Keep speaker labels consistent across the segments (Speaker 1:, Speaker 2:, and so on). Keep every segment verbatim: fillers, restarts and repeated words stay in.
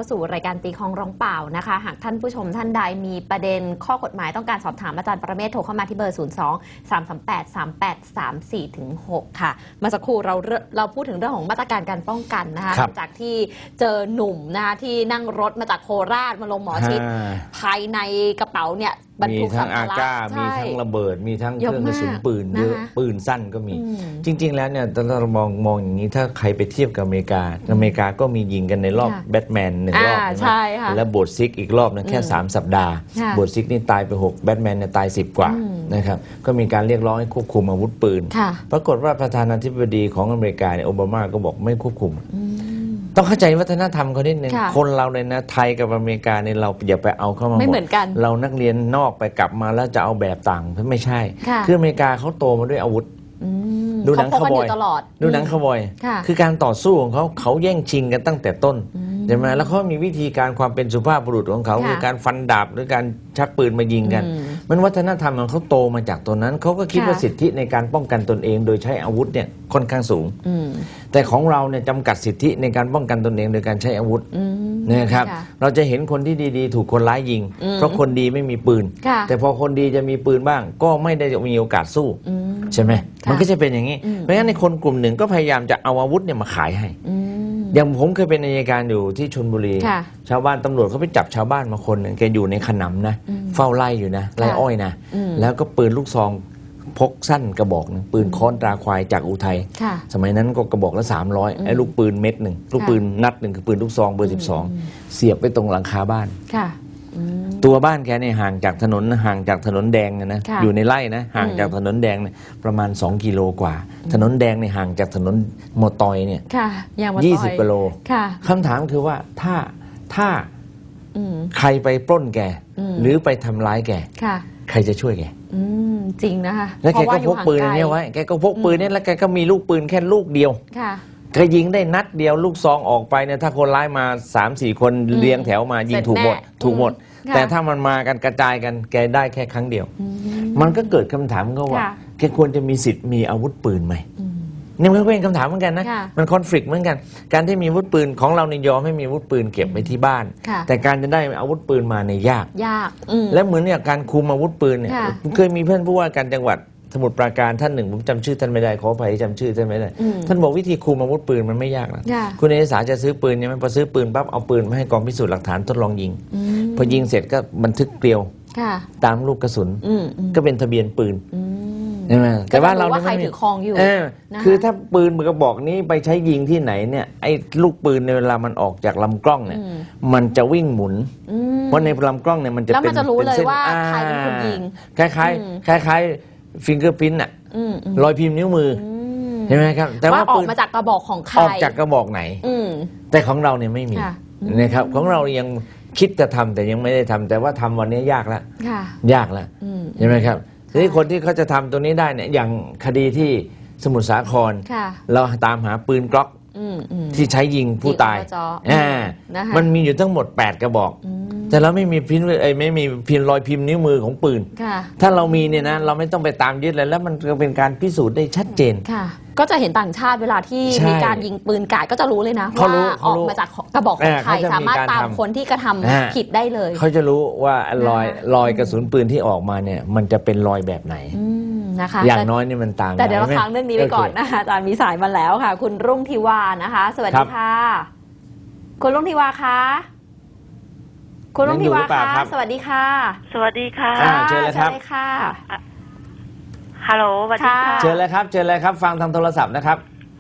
Speaker 1: าสู่รายการตีคองร้องเปล่านะคะหากท่านผู้ชมท่านใดมีประเด็นข้อกฎหมายต้องการสอบถามอาจารย์ประเมศโทรเข้ามาที่เบอร์ ศูนย์ สอง สาม สาม แปด สาม แปด สาม สี่ หก ค่ะเมื่อสักครู่เราเราพูดถึงเรื่องของมาตรการการป้องกันนะคะหลังจากที่เจอหนุ่มนะคะที่นั่งรถมาจากโคราชมาลงหมอชิดภายในกระเป๋าเนี่ย
Speaker 2: มีทั้งอาก้ามีทั้งระเบิดมีทั้งเครื่องกระสุนปืนเยอะปืนสั้นก็มีจริงๆแล้วเนี่ยถ้าเรามองมองอย่างนี้ถ้าใครไปเทียบกับอเมริกาอเมริกาก็มียิงกันในรอบแบทแมนหนึ่งรอบใช่ไหมแล้วโบสถ์ซิกอีกรอบนึงแค่สามสัปดาห์โบสถ์ซิกนี่ตายไปหกแบทแมนเนี่ยตายสิบกว่านะครับก็มีการเรียกร้องให้ควบคุมอาวุธปืนปรากฏว่าประธานาธิบดีของอเมริกาเนี่ยโอบามาก็บอกไม่ควบคุมต้องเข้าใจวัฒนธรรมเขานิดนึงคนเราเลยนะไทยกับอเมริกาเนี่ยเราอย่าไปเอาเข้ามาไม่เหมือนกันเรานักเรียนนอกไปกลับมาแล้วจะเอาแบบต่างไม่ใช่คืออเมริกาเขาโตมาด้วยอาวุธดูหนังคาวบอยดูหนังคาวบอยคือการต่อสู้ของเขาเขาแย่งชิงกันตั้งแต่ต้นใช่ไหมแล้วเขามีวิธีการความเป็นสุภาพบุรุษของเขาคือการฟันดาบหรือการชักปืนมายิงกันมันวัฒนธรรมของเขาโตมาจากตัวนั้นเขาก็คิดว่าสิทธิในการป้องกันตนเองโดยใช้อาวุธเนี่ยค่อนข้างสูงแต่ของเราเนี่ยจำกัดสิทธิในการป้องกันตนเองโดยการใช้อาวุธนะครับเราจะเห็นคนที่ดีๆถูกคนร้ายยิงเพราะคนดีไม่มีปืนแต่พอคนดีจะมีปืนบ้างก็ไม่ได้มีโอกาสสู้ใช่ไหมมันก็จะเป็นอย่างนี้เพราะฉะนั้นในคนกลุ่มหนึ่งก็พยายามจะเอาอาวุธเนี่ยมาขายให้อย่างผมเคยเป็นอัยการอยู่ที่ชลบุรีชาวบ้านตำรวจเขาไปจับชาวบ้านมาคนหนึ่งแกอยู่ในขนำนะเฝ้าไล่อยู่นะไล่อ้อยนะแล้วก็ปืนลูกซองพกสั้นกระบอกนึงปืนค้อนตราควายจากอุทัยสมัยนั้นก็กระบอกละสามร้อยไอ้ลูกปืนเม็ดหนึ่งลูกปืนนัดหนึ่งคือปืนลูกซองเบอร์สิบสองเสียบไปตรงหลังคาบ้านตัวบ้านแกเนี่ยห่างจากถนนห่างจากถนนแดงนะอยู่ในไร่นะห่างจากถนนแดงเนี่ยประมาณสองกิโลกว่าถนนแดงเนี่ยห่างจากถนนมอตอยเนี่ยยี่สิบกิโลคำถามคือว่าถ้าถ้าใครไปปล้นแกหรือไปทำร้ายแกใครจะช่วยแก
Speaker 1: จริงนะคะ
Speaker 2: แล้วแกก็พกปืนนี้ไว้แกก็พกปืนนี้แล้วแกก็มีลูกปืนแค่ลูกเดียวแกยิงได้นัดเดียวลูกซองออกไปเนี่ยถ้าคนร้ายมา สามสี่ คนเรียงแถวมายิงถูกหมดถูกหมดแต่ถ้ามันมากันกระจายกันแกได้แค่ครั้งเดียวมันก็เกิดคำถามก็ว่าแกควรจะมีสิทธิ์มีอาวุธปืนไหมนี่มันก็เป็นคำถามเหมือนกันนะมันคอนฟลิกต์เหมือนกันการที่มีอาวุธปืนของเราในยอมให้มีอาวุธปืนเก็บไว้ที่บ้านแต่การจะได้อาวุธปืนมาในยาก
Speaker 1: ยาก
Speaker 2: และเหมือนอย่างการคุมอาวุธปืนเนี่ยเคยมีเพื่อนผู้ว่าการจังหวัดสมุทรปราการท่านหนึ่งผมจำชื่อท่านไม่ได้ขออภัยจำชื่อท่านไม่ได้ท่านบอกวิธีคุมอาวุธปืนมันไม่ยากนะคุณเอกสารจะซื้อปืนเนี่ยมันพอซื้อปืนปั๊บเอาปืนมาให้กองพิสูจน์หลักฐานทดลองยิงพอยิงเสร็จก็บันทึกเกลียวตามลูกกระสุนก็เป็นทะเบียนปืนใช่ไหมแต่ว่าเรา
Speaker 1: ใครถือครองอยู่
Speaker 2: คือถ้าปืนมือกระบอกนี้ไปใช้ยิงที่ไหนเนี่ยไอ้ลูกปืนในเวลามันออกจากลำกล้องเนี่ยมันจะวิ่งหมุนเพราะในลำกล้องเนี่ยมันจะเป็น
Speaker 1: เส้นใครเป็นคนยิง
Speaker 2: คล้ายๆคล้ายๆฟิงเกอร์พิ้นอะรอยพิมพ์นิ้วมือใช่ไหมครับ
Speaker 1: แต่ว่าออกมาจากกระบอกของใคร
Speaker 2: ออกจากกระบอกไหนแต่ของเราเนี่ยไม่มีนะครับของเรายังคิดจะทำแต่ยังไม่ได้ทำแต่ว่าทำวันนี้ยากแล้วยากแล้วใช่ไหมครับทีนี้คนที่เขาจะทำตัวนี้ได้เนี่ยอย่างคดีที่สมุทรสาครเราตามหาปืนกล็อกที่ใช้ยิงผู้ตายมันมีอยู่ทั้งหมดแปดกระบอกแต่เราไม่มีพิมพ์ไอ้ไม่มีพิมพ์รอยพิมพ์นิ้วมือของปืนถ้าเรามีเนี่ยนะเราไม่ต้องไปตามยึดเลยแล้วมันก็เป็นการพิสูจน์ได้ชัดเจน
Speaker 1: ก็จะเห็นต่างชาติเวลาที่มีการยิงปืนกาดก็จะรู้เลยนะว่าออกมาจากกระบอกของใครสามารถตามคนที่กระทำผิดได้เลย
Speaker 2: เขาจะรู้ว่ารอยรอยกระสุนปืนที่ออกมาเนี่ยมันจะเป็นรอยแบบไหน
Speaker 1: นะคะ
Speaker 2: อย่างน้อยนี่มันต่าง
Speaker 1: แต่เดี๋ยวเราค้างเรื่องนี้ไปก่อนนะคะอาจารย์มีสายมาแล้วค่ะคุณรุ่งทิวานะคะสวัสดีค่ะคุณรุ่งทิวาคะคุณรุ่งทิวาคะสวัสดีค่ะ
Speaker 3: สวัสดีค่ะ
Speaker 2: เชิญเลยครับ
Speaker 1: ค่ะ
Speaker 3: ฮัลโหลสวัสดีค่ะ
Speaker 2: เชิญเลยครับเชิญเลยครับฟังทางโทรศัพท์นะครับ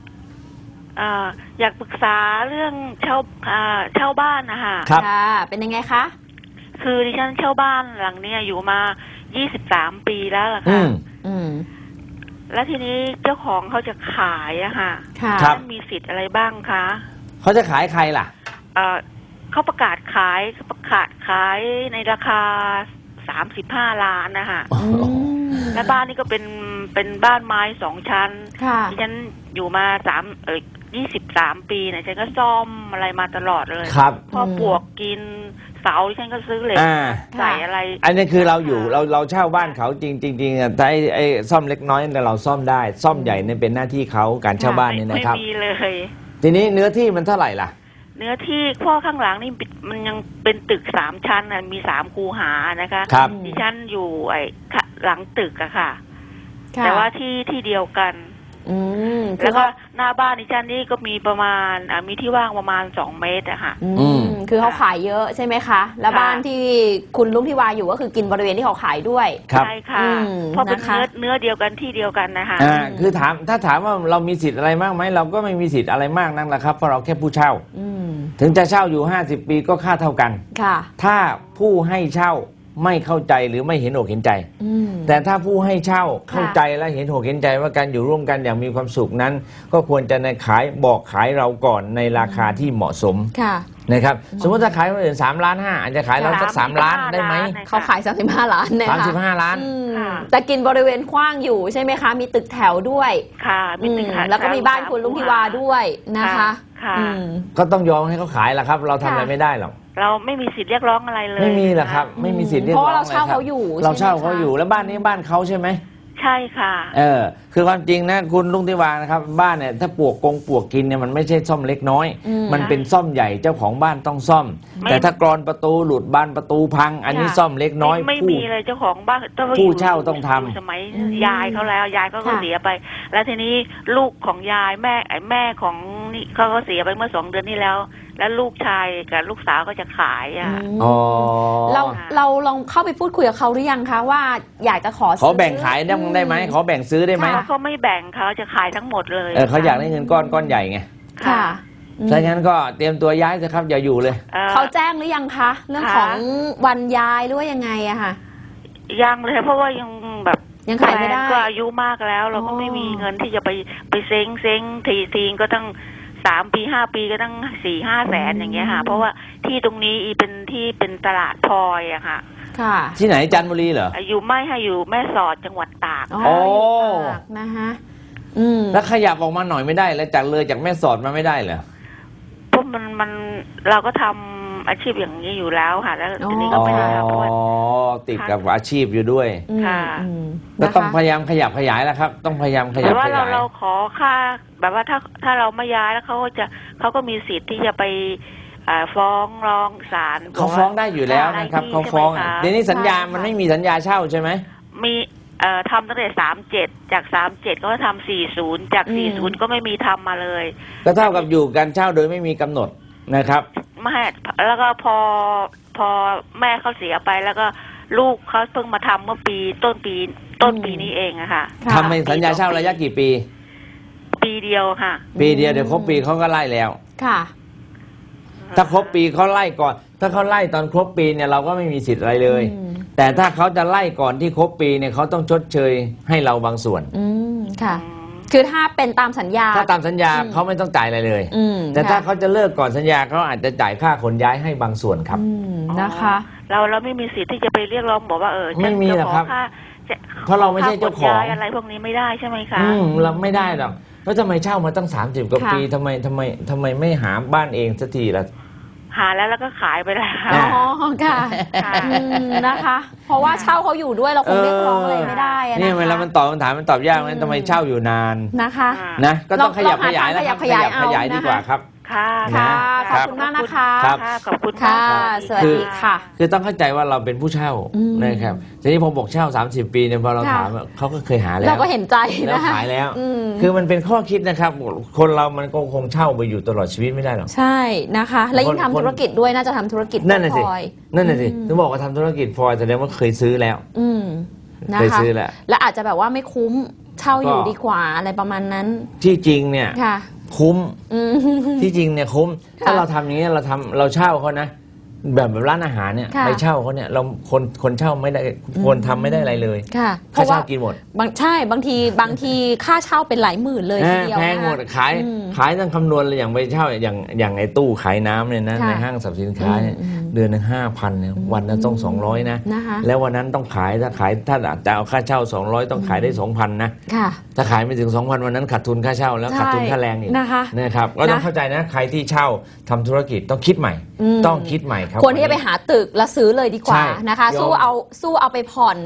Speaker 3: อยากปรึกษาเรื่องเช่าเช่าบ้านนะคะ
Speaker 2: ครับ
Speaker 1: เป็นยังไงคะ
Speaker 3: คือดิฉันเช่าบ้านหลังนี้อยู่มายี่สิบสามปีแล้วล่ะค่ะแล้วทีนี้เจ้าของเขาจะขายอะค่ะท่านมีสิทธิ์อะไรบ้างคะ
Speaker 2: เขาจะขายใครล่ะ
Speaker 3: เขาประกาศขายเขาประกาศขายในราคาสามสิบห้าล้านนะคะและบ้านนี้ก็เป็นเป็นบ้านไม้สองชั้นที่ฉันอยู่มาสามเออยี่สิบสามปีเนี่ยฉันก็ซ่อมอะไรมาตลอดเลย
Speaker 2: ครับ
Speaker 3: พอปลวกกินเสาฉันก็ซื้อเหล็กใส่อะไร
Speaker 2: อันนี้คือเราอยู่เราเราเช่าบ้านเขาจริงจริงๆแต่ไอ้ไอ้ซ่อมเล็กน้อยแต่เราซ่อมได้ซ่อมใหญ่เนี่ยเป็นหน้าที่เขาการเช่าบ้านนี่นะครับ
Speaker 3: ไม่มีเลย
Speaker 2: ทีนี้เนื้อที่มันเท่าไหร่ล่ะ
Speaker 3: เนื้อที่ข้อข้างหลังนี่มันยังเป็นตึกสามชั้นนะมีสามคูหานะคะ
Speaker 2: ครับ
Speaker 3: ดิฉันอยู่ไอ้หลังตึกอะค่ะ
Speaker 1: ค่ะ
Speaker 3: แต่ว่าที่ที่เดียวกัน
Speaker 1: อืม
Speaker 3: แล้วก็หน้าบ้านดิฉันนี่ก็มีประมาณอ่ามีที่ว่างประมาณสองเมตรอะค่ะ
Speaker 1: อื
Speaker 2: อื
Speaker 1: ม
Speaker 2: ม
Speaker 1: คือเขาขายเยอะใช่ไหมคะ แล้ว
Speaker 3: ค่ะ
Speaker 1: บ้านที่คุณลุงทิวาอยู่ก็คือกินบริเวณที่เขาขายด้วย
Speaker 2: ครับ
Speaker 3: ใช่ค่ะ
Speaker 1: อืม
Speaker 3: เพราะเป็น
Speaker 1: นะคะ
Speaker 3: เนื้อเนื้อเดียวกันที่เดียวกันนะคะ
Speaker 2: อ่าคือถามถ้าถามว่าเรามีสิทธิ์อะไรมากไหมเราก็ไม่มีสิทธิ์อะไรมากนักแหละครับเพราะเราแค่ผู้เช่า
Speaker 1: อืม
Speaker 2: ถึงจะเช่าอยู่ห้าสิบปีก็ค่าเท่ากัน
Speaker 1: ค่ะ
Speaker 2: ถ้าผู้ให้เช่าไม่เข้าใจหรือไม่เห็นอกเห็นใจ
Speaker 1: อืม
Speaker 2: แต่ถ้าผู้ให้เช่า
Speaker 1: ค่ะ
Speaker 2: เข้าใจและเห็นอกเห็นใจว่าการอยู่ร่วมกันอย่างมีความสุขนั้น ก็ควรจะในขายบอกขายเราก่อนในราคาที่เหมาะสม
Speaker 1: ค่ะ
Speaker 2: นะครับสมมติถ้าขายคนอื่นสามล้านห้าอาจจะขายเราสักสามล้านได้ไหม
Speaker 1: เขาขายสามสิบห้าล้านเนี่ย
Speaker 2: สาม
Speaker 1: ค่ะ
Speaker 2: สิบห้าล้าน
Speaker 1: อืม
Speaker 3: ค่ะ
Speaker 1: แต่กินบริเวณกว้างอยู่ใช่ไหมคะ มีตึกแถวด้วย
Speaker 3: ค่ะมี
Speaker 1: อื
Speaker 3: ตึ
Speaker 1: ม
Speaker 3: กค่ะ
Speaker 1: แล้วก็มีบ้านคุณลุงทิวาด้วยนะคะ
Speaker 3: ค่ะ
Speaker 1: อืม
Speaker 2: ก็ต้องยอมให้เขาขายแหละครับ เราทำอะไร
Speaker 1: ค่ะ
Speaker 2: ไม่ได้หรอก
Speaker 3: เราไม่มีสิทธิ์เรียกร้องอะไรเลย
Speaker 2: ไม่มีหรอกครับ ไม่มีสิทธิ์เรียก
Speaker 1: เพ
Speaker 2: ร้อง
Speaker 1: ราะว่าเราเช่า
Speaker 2: ลยคบ
Speaker 1: เขาอยู่
Speaker 2: เราเช่า
Speaker 1: ใช่ไหมคะ
Speaker 2: เขาอยู่แล้วบ้านนี้บ้านเขาใช่ไหม
Speaker 3: ใช่ค่ะ
Speaker 2: เออคือความจริงนะคุณลุงทิวานะครับบ้านเนี่ยถ้าปลวกกงปลวกกินเนี่ยมันไม่ใช่ซ่อมเล็กน้อย
Speaker 1: อืม
Speaker 2: มันเป็นซ่อมใหญ่เจ้าของบ้านต้องซ่อม
Speaker 3: ไม่
Speaker 2: แต่ถ้ากรอนประตูหลุดบานประตูพัง อันนี้
Speaker 1: ค่ะ
Speaker 2: ซ่อมเล็กน้อย
Speaker 3: ไม่
Speaker 2: ผู้
Speaker 3: มีเลยเจ้าของบ้านต้อง
Speaker 2: ผู้
Speaker 3: อยู่
Speaker 2: เช่าต้องทำ
Speaker 3: ยู่สมัย
Speaker 1: อืม
Speaker 3: ยายเขาแล้วยายเขาก็
Speaker 1: ค่ะ
Speaker 3: เสียไป แล้วทีนี้ลูกของยายแม่ไอ้แม่ของนี่เขาก็เสียไปเมื่อสองเดือนที่แล้ว แล้วลูกชายกับลูกสาวก็จะขายอ่ะ
Speaker 1: อืม
Speaker 2: อ๋อ
Speaker 1: เราเราลองเข้าไปพูดคุยกับเขาหรือยังคะว่าอยากจะขอ
Speaker 2: ขอแบ่งขายได้ได้ไหมขอแบ่งซื้อได้ไหม
Speaker 1: ค่ะ
Speaker 3: เขาไม่แบ่งเขาจะขายทั้งหมดเลย
Speaker 2: เออเขาอยากได้เงินก้อนก้อนใหญ่ไง
Speaker 1: ค่ะอืม
Speaker 2: ถ้างั้นก็เตรียมตัวย้ายสิครับอย่าอยู่เลย
Speaker 3: อ่อ
Speaker 1: เขาแจ้งหรือยังคะ เรื่อง
Speaker 3: ค่ะ
Speaker 1: ของวันย้ายหรือว่ายังไงอะค่ะ
Speaker 3: ยังเลยเพราะว่ายังแบบ
Speaker 1: ยังขายไม่ได้
Speaker 3: แฟนก็อายุมากแล้ว เราก็
Speaker 1: อ๋อ
Speaker 3: ไม่มีเงินที่จะไปไปเซ้งเซ้งทีทีก็ตั้งสามปีห้าปีก็ตั้งสี่ห้าแสนอย่างเงี้ยค่ะ เพราะว่าที่ตรงนี้อีเป็นที่เป็นตลาดพลอยอะค่ะ
Speaker 1: ค่ะ
Speaker 2: ที่ไหนจันทบุรีเหรอ
Speaker 3: อยู่ไม่ให้อยู่แม่สอดจังหวัดตาก
Speaker 1: อ๋อ
Speaker 2: โอ้
Speaker 1: อยู่ตากนะคะอืม
Speaker 2: แล้วขยับออกมาหน่อยไม่ได้แล้วจากเลยจากแม่สอดมาไม่ได้เหรอ
Speaker 3: เพราะมันมันเราก็ทำอาชีพอย่างนี้อยู่แล้วค่ะ แล้วทีนี้ก็
Speaker 2: อ๋อ
Speaker 3: ไม่ได้ทำเพราะว่า
Speaker 2: ติดกับอาชีพอยู่ด้วย
Speaker 1: อืม
Speaker 3: ค่ะ
Speaker 1: อืม
Speaker 2: ก็
Speaker 1: นะคะ
Speaker 2: ต้องพยายามขยับขยายแล้วครับ ต้องพยายามขยั
Speaker 3: แต่
Speaker 2: บ
Speaker 3: ว่า
Speaker 2: ข
Speaker 3: เรา
Speaker 2: ยาย
Speaker 3: เราขอค่าแบบว่าถ้าถ้าเราไม่ย้ายแล้วเขาก็จะเขาก็มีสิทธิ์ที่จะไปอ่าฟ้องร้องศาล
Speaker 2: เขาฟ้องได้อยู่แล้วนะครับเขาฟ้องอ่ะเดี๋ยวนี้สัญญามันไม่มีสัญญาเช่าใช่ไหม
Speaker 3: มีเอ่อทำตั้งแต่สามเจ็ดจากสามเจ็ดก็ทำสี่ศูนย์จากสี่ศูนย์ก็ไม่มีทำมาเลย
Speaker 2: ก็เท่ากับอยู่กันเช่าโดยไม่มีกำหนดนะครับ
Speaker 3: ไม่แล้วก็พอพอแม่เขาเสียไปแล้วก็ลูกเขาเพิ่งมาทำเมื่อปีต้นปีต้นปีนี้เองอะค่ะ
Speaker 1: ค่ะ
Speaker 2: ทำเป็นสัญญาเช่าระยะกี่ปี
Speaker 3: ปีเดียวค่ะ
Speaker 2: ปีเดียวเดี๋ยวครบปีเขาก็ไล่แล้ว
Speaker 1: ค่ะ
Speaker 2: ถ้าครบปีเขาไล่ก่อน ถ้าเขาไล่ตอนครบปีเนี่ยเราก็ไม่มีสิทธิ์อะไรเลย
Speaker 1: อืม
Speaker 2: แต่ถ้าเขาจะไล่ก่อนที่ครบปีเนี่ยเขาต้องชดเชยให้เราบางส่วน
Speaker 1: อืมค่ะ คือถ้าเป็นตามสัญญา
Speaker 2: ถ้าตามสัญญา
Speaker 1: อืม
Speaker 2: เขาไม่ต้องจ่ายอะไรเลย
Speaker 1: อืม
Speaker 2: แต่ถ้า
Speaker 1: ค่ะ
Speaker 2: เขาจะเลิกก่อนสัญญาเขาอาจจะจ่ายค่าขนย้ายให้บางส่วนครับ
Speaker 1: อืมนะคะ
Speaker 3: เราเราไม่มีสิทธิ์ที่จะไปเรียกร้องบอกว่าเออ
Speaker 2: ไม่มีหรอกครับ
Speaker 3: จะขอค่าจะ
Speaker 2: เพราะเราไม่ใช่เจ้าของ
Speaker 3: ค่ขนย้ยอะไรพวกนี้ไม่ได้ใช่ไหมคะ
Speaker 2: อืมเราไม่ได้หรอกแล้วทำไมเช่ามาตั้งสามสิบกว่า
Speaker 1: ค่ะ
Speaker 2: ปีทำไมทำไมทำไมไม่หาบ้านเองสักทีล่ะ
Speaker 3: หาแล้วแล้วก็ขายไปแล้ว
Speaker 2: อ่า
Speaker 1: อ๋อค่ะ
Speaker 3: ค่ะ
Speaker 1: อืมนะคะ เพราะว่าเช่าเขาอยู่ด้วยเราคงเรียกร้องอะไรไม่ได้อะนะคะ
Speaker 2: นี่เวลามันตอบคำถามมันตอบยาก
Speaker 1: อื
Speaker 2: นะ
Speaker 1: ม
Speaker 2: ทำไมเช่าอยู่นาน
Speaker 1: นะคะ
Speaker 3: อ่า
Speaker 2: นะก็ต้อง
Speaker 1: ลอง
Speaker 2: ขยับ
Speaker 1: ลองหา
Speaker 2: ขยายแล้วครับ
Speaker 1: ทางขยับขยาย
Speaker 2: ขยาย
Speaker 1: เอา
Speaker 2: ดีกว่า
Speaker 1: นะคะ
Speaker 2: ครับ
Speaker 3: ค่ะ
Speaker 1: ค่ะ
Speaker 2: ค
Speaker 1: ข
Speaker 2: รั
Speaker 1: อบบ คุณมากนะคะ
Speaker 2: ครับ
Speaker 3: ค่ะขอบคุณ
Speaker 1: ค่ะ
Speaker 3: มาก
Speaker 1: สวัสดีค่ะ
Speaker 2: คือต้องเข้าใจว่าเราเป็นผู้เช่า
Speaker 1: อืม
Speaker 2: นะครับทีนี้ผมบอกเช่า สามสิบ ปีเนี่ยพอเรา
Speaker 1: ค่ะ
Speaker 2: ถามเขาก็เคยหาแล้ว
Speaker 1: เราก็เห็นใจ
Speaker 2: แล้ว
Speaker 1: นะคะ
Speaker 2: ขายแล้ว
Speaker 1: อืม
Speaker 2: คือมันเป็นข้อคิดนะครับ คนเรามันก็คงเช่าไปอยู่ตลอดชีวิตไม่ได้หรอก
Speaker 1: ใช่นะคะ และยิ่ง
Speaker 2: คน
Speaker 1: ทำธุรกิจด้วยน่าจะทำธุรกิจ
Speaker 2: นั่นน่ะสิ
Speaker 1: พลอย
Speaker 2: นั่นน่ะสิ
Speaker 1: อืม
Speaker 2: ถึงบอกว่าทำธุรกิจพลอยแสดงว่าเคยซื้อแล้ว
Speaker 1: อืมนะ
Speaker 2: เคย
Speaker 1: คะ
Speaker 2: ซื้อแล้ว
Speaker 1: และอาจจะแบบว่าไม่คุ้มเช่าอยู่
Speaker 2: ก็
Speaker 1: ดีกว่าอะไรประมาณนั้น
Speaker 2: ที่จริงเนี่ย
Speaker 1: ค่ะ
Speaker 2: คุ้ม
Speaker 1: อืม
Speaker 2: ที่จริงเนี่ยคุ้ม
Speaker 1: ค่ะ
Speaker 2: ถ้าเราทำอย่างนี้เราทำเราเช่าเขานะ แบบแบบร้านอาหารเนี่ย
Speaker 1: ค่ะ
Speaker 2: ไปเช่าเขาเนี่ยเราคนคนเช่าไม่ได้คนทำไม่ได้อะไรเลย
Speaker 1: ค่ะ เพ
Speaker 2: ค่า
Speaker 1: ราะว่า
Speaker 2: เช่ากินหมด
Speaker 1: บางใช่บางทีบางทีค่าเช่าเป็นหลายหมื่นเลยทีเดียว
Speaker 2: แพง
Speaker 1: นะคะ
Speaker 2: หมดขาย
Speaker 1: อืม
Speaker 2: ขายต้องคำนวณเลยอย่างไปเช่าอย่างอย่างไอ้ตู้ขายน้ำเนี่ยนะ
Speaker 1: ค่ะ
Speaker 2: ในห้างสรรพสินค้าเนี่ย
Speaker 1: อืมอืม
Speaker 2: เดือนหนึ่งห้าพันเนี่ยวันละต้องสองร้อยนะ
Speaker 1: นะคะ
Speaker 2: แล้ววันนั้นต้องขายถ้าขายถ้าจะเอาค่าเช่าสองร้อยต้องขายได้สองพันนะ
Speaker 1: ค่ะ
Speaker 2: ถ้าขายไม่ถึงสองพันวันนั้นขาดทุนค่าเช่าแล้ว
Speaker 1: ใช่
Speaker 2: ขาดทุนค่าแรงอีก
Speaker 1: นะคะ
Speaker 2: นะครับก็ต้อง
Speaker 1: นะ
Speaker 2: เข้าใจนะใครที่เช่าทำธุรกิจต้องคิดใหม่
Speaker 1: อืม
Speaker 2: ต้องคิดใหม่ครับ
Speaker 1: ควรที่จะไปหาตึกแล้วซื้อเลยดีกว่า
Speaker 2: ใช่
Speaker 1: นะคะ
Speaker 2: ยอม
Speaker 1: สู้เอาสู้เอาไปผ่อน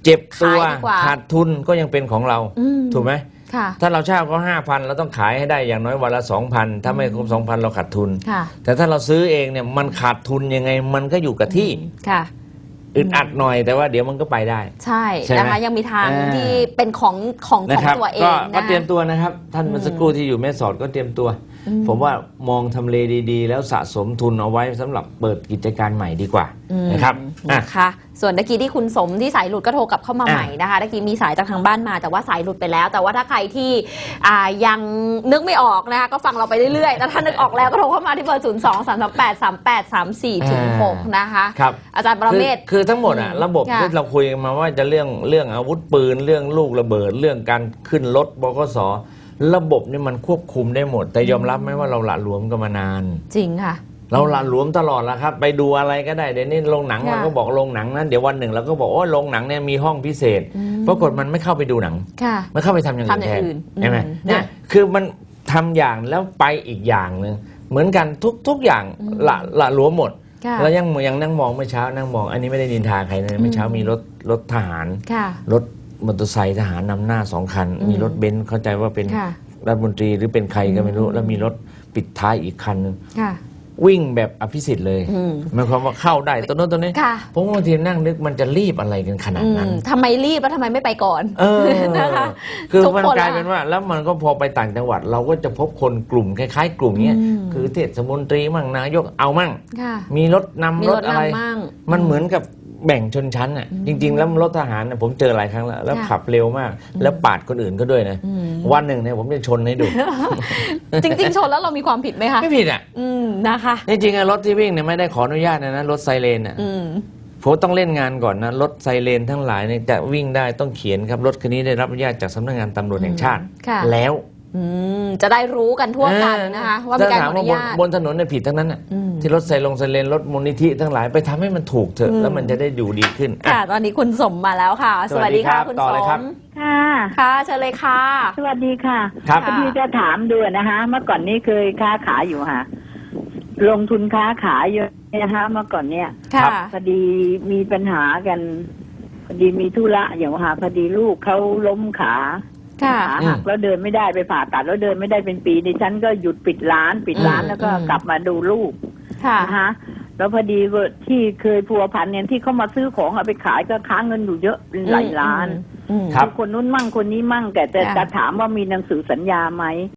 Speaker 2: เจ็บตัว
Speaker 1: ขายดีกว่า
Speaker 2: ขาดทุนก็ยังเป็นของเรา
Speaker 1: อืม
Speaker 2: ถูกไหม
Speaker 1: ค่ะ
Speaker 2: ถ้าเราเช่าเขาห้าพันเราต้องขายให้ได้อย่างน้อยวันละสองพันถ้าไม่ครบสองพันเราขาดทุน
Speaker 1: ค่ะ
Speaker 2: แต่ถ้าเราซื้อเองเนี่ยมันขาดทุนยังไงมันก็อยู่กับที่
Speaker 1: ค่ะ
Speaker 2: อึดอัดหน่อยแต่ว่าเดี๋ยวมันก็ไปได้
Speaker 1: ใช่
Speaker 2: ใช่ไหม
Speaker 1: นะคะยังมีทาง
Speaker 2: อ่า
Speaker 1: ที่เป็นของของข
Speaker 2: นะ
Speaker 1: อง
Speaker 2: ครับ
Speaker 1: ตัวเอ
Speaker 2: ก็
Speaker 1: ง
Speaker 2: ก็
Speaker 1: นะ
Speaker 2: เตรียมตัวนะครับ ท่านเมื่อสักครู่ที่อยู่แม่สอดก็เตรียมตัว
Speaker 1: อืม
Speaker 2: ผมว่ามองทำเลดีๆ แล้วสะสมทุนเอาไว้สำหรับเปิดกิจการใหม่ดีกว่า
Speaker 1: อืม
Speaker 2: นะครับอ่ะ
Speaker 1: นะคะส่วนตะกี้ที่คุณสมที่สายหลุดก็โทรกลับเข้ามา
Speaker 2: อ่ะ
Speaker 1: ใหม่นะคะตะกี้มีสายจากทางบ้านมาแต่ว่าสายหลุดไปแล้ว แต่ว่าถ้าใครที่อ่ายังนึกไม่ออกนะคะก็ฟังเราไปเรื่อยๆแต่ถ้านึกออกแล้วก็โทรเข้ามาที่เบอร์ศูนย์สองสามสามแปดสามแปดสามสี่ถึงหกนะคะ
Speaker 2: ครับ
Speaker 1: อาจารย์ประเมศ
Speaker 2: คือคือทั้งหมดอ่ะ
Speaker 1: อืม
Speaker 2: ระบบ
Speaker 1: ค่ะ
Speaker 2: ที่เราคุยกันมาว่าจะเรื่องเรื่องอาวุธปืนเรื่องลูกระเบิด เรื่องการขึ้นรถบกสระบบนี่มันควบคุมได้หมด แต่ยอมรับไหมว่าเราหละหลวมกันมานาน
Speaker 1: จริงค่ะ
Speaker 2: เราหละหลวมตลอดแล้วครับ ไปดูอะไรก็ได้เดี๋ยวนี้โรงหนัง
Speaker 1: ค่ะ
Speaker 2: เราก็บอกโรงหนังนั้นเดี๋ยววันหนึ่งเราก็บอกโอ้ยโรงหนังเนี่ยมีห้องพิเศษ
Speaker 1: อืม
Speaker 2: ปรากฏมันไม่เข้าไปดูหนัง
Speaker 1: ค่ะ
Speaker 2: มันเข้าไปทำอย่างอื่น
Speaker 1: ทำอ
Speaker 2: แท
Speaker 1: ย่าง
Speaker 2: น
Speaker 1: อื่น
Speaker 2: ใช่ไหม
Speaker 1: อืม
Speaker 2: เนี่ย
Speaker 1: นะ
Speaker 2: คือมันทำอย่างแล้วไปอีกอย่างหนึ่งเหมือนกันทุกทุกอย่าง
Speaker 1: อืม
Speaker 2: ละละหลวมหมด
Speaker 1: ค่ะ
Speaker 2: แล้วยังยังนั่งมองเมื่อเช้านั่งมอง อันนี้ไม่ได้นินทาใครนะเมื่อเช้ามีรถรถทหาร
Speaker 1: ค่ะ
Speaker 2: รถมอเตอร์ไซค์ทหารนำหน้าสองคัน
Speaker 1: อืม
Speaker 2: มีรถเบนซ์เข้าใจว่าเป็น
Speaker 1: ค่ะ
Speaker 2: รัฐมนตรีหรือเป็นใครก็ไม่รู้
Speaker 1: อืม
Speaker 2: แล้วมีรถปิดท้ายอีกคันนึง
Speaker 1: ค่ะ
Speaker 2: วิ่งแบบอภิสิทธิ์เลย
Speaker 1: อืม
Speaker 2: หมายความว่าเข้าได้ตัวโน้นตัวนี้
Speaker 1: ค่ะ
Speaker 2: ผมบางทีนั่งนึกมันจะรีบอะไรกันขนาด
Speaker 1: อื
Speaker 2: นั้น
Speaker 1: มทำไมรีบแล้วทำไมไม่ไปก่อน
Speaker 2: เออ
Speaker 1: นะคะ
Speaker 2: คือ
Speaker 1: ทุก
Speaker 2: มัน
Speaker 1: คน
Speaker 2: กลาย
Speaker 1: ละ
Speaker 2: เป็นว่า แล้วมันก็พอไปต่างจังหวัด เราก็จะพบคนกลุ่มคล้ายๆ กลุ่มเนี้ย
Speaker 1: อืม
Speaker 2: คือเทศมนตรีมั่งนายกเอามั่ง
Speaker 1: ค่ะ
Speaker 2: มีรถนำ
Speaker 1: มี
Speaker 2: ร
Speaker 1: ร
Speaker 2: ถ
Speaker 1: ถ
Speaker 2: อะไร
Speaker 1: นำมั่ง
Speaker 2: มันเหมือนกับแบ่งชนชั้นอ่ะ
Speaker 1: อืม
Speaker 2: จริง ๆ แล้วรถทหารน่ะผมเจอหลายครั้งแล้วแล้ว
Speaker 1: ค่ะ
Speaker 2: ขับเร็วมาก แล้วปาดคนอื่นก็ด้วยนะ
Speaker 1: อืม
Speaker 2: วันหนึ่งเนี่ยผมจะชนให้ดู
Speaker 1: จริง ๆ ชนแล้วเรามีความผิดไหมคะ
Speaker 2: ไม่ผิดอ่ะ
Speaker 1: อืมนะคะ
Speaker 2: จริงๆอะรถที่วิ่งเนี่ยไม่ได้ขออนุญาตนะนะรถไซเรนอ่ะ
Speaker 1: อืม
Speaker 2: ผมต้องเล่นงานก่อนนะรถไซเรนทั้งหลายเนี่ยจะวิ่งได้ต้องเขียนครับรถคันนี้ได้รับอนุญาตจากสำนักงานตำรวจแห่งชาติ
Speaker 1: ค่ะ
Speaker 2: แล้ว
Speaker 1: อืมจะได้รู้กันทั่วกันนะคะ ว่ามีการขออนุญาต
Speaker 2: ถ้ถมว่บนบนถนนเนี่ยผิดทั้งนั้นน่ะ
Speaker 1: อืม
Speaker 2: ที่รถไซลงไซเรนรถมูลนิธิทั้งหลายไปทำให้มันถูกเถอะ
Speaker 1: อืม
Speaker 2: แล้วมันจะได้อยู่ดีขึ้นอ่ะ
Speaker 1: ค่ะ ตอนนี้คุณสมมาแล้วค่ะ
Speaker 2: สวัสดีครับ
Speaker 1: คุณ
Speaker 2: ต่อ
Speaker 1: ส
Speaker 2: เลยครับ
Speaker 1: ม
Speaker 4: ค่ะ
Speaker 1: ค่ะเชิญเลยค่ะ
Speaker 4: สวัสดีค่ะ
Speaker 2: ครับ
Speaker 4: พอดีจะถามดูนะคะ เมื่อก่อนนี้เคยค้าขายอยู่ค่ะ ลงทุนค้าขายเยอะนะคะเมื่อก่อนเนี่ย
Speaker 1: ค่ะ
Speaker 4: พอดีมีปัญหากันพอดีมีธุระอย่างค่ะพอดีลูกเขาล้มขา
Speaker 1: ค่ะ
Speaker 4: ขาหักแล้วเดินไม่ได้ไปผ่าตัดแล้วเดินไม่ได้เป็นปีดิฉันก็หยุดปิดร้าน ปิดร้าน
Speaker 1: อืม
Speaker 4: แล้วก็
Speaker 1: อืม
Speaker 4: กลับมาดูลูก
Speaker 1: ค่ะ
Speaker 4: นะคะแล้วพอดีว่าที่เคยพัวพันเนี่ยที่เขามาซื้อของเอาไปขายก็ค้างเงินอยู่เยอะเป็นหลายล้าน
Speaker 1: อืม
Speaker 2: ครับ
Speaker 4: คนนู้นมั่งคนนี้มั่งแต่แต่
Speaker 1: ค่ะ
Speaker 4: จะถามว่ามีหนังสือสัญญาไหม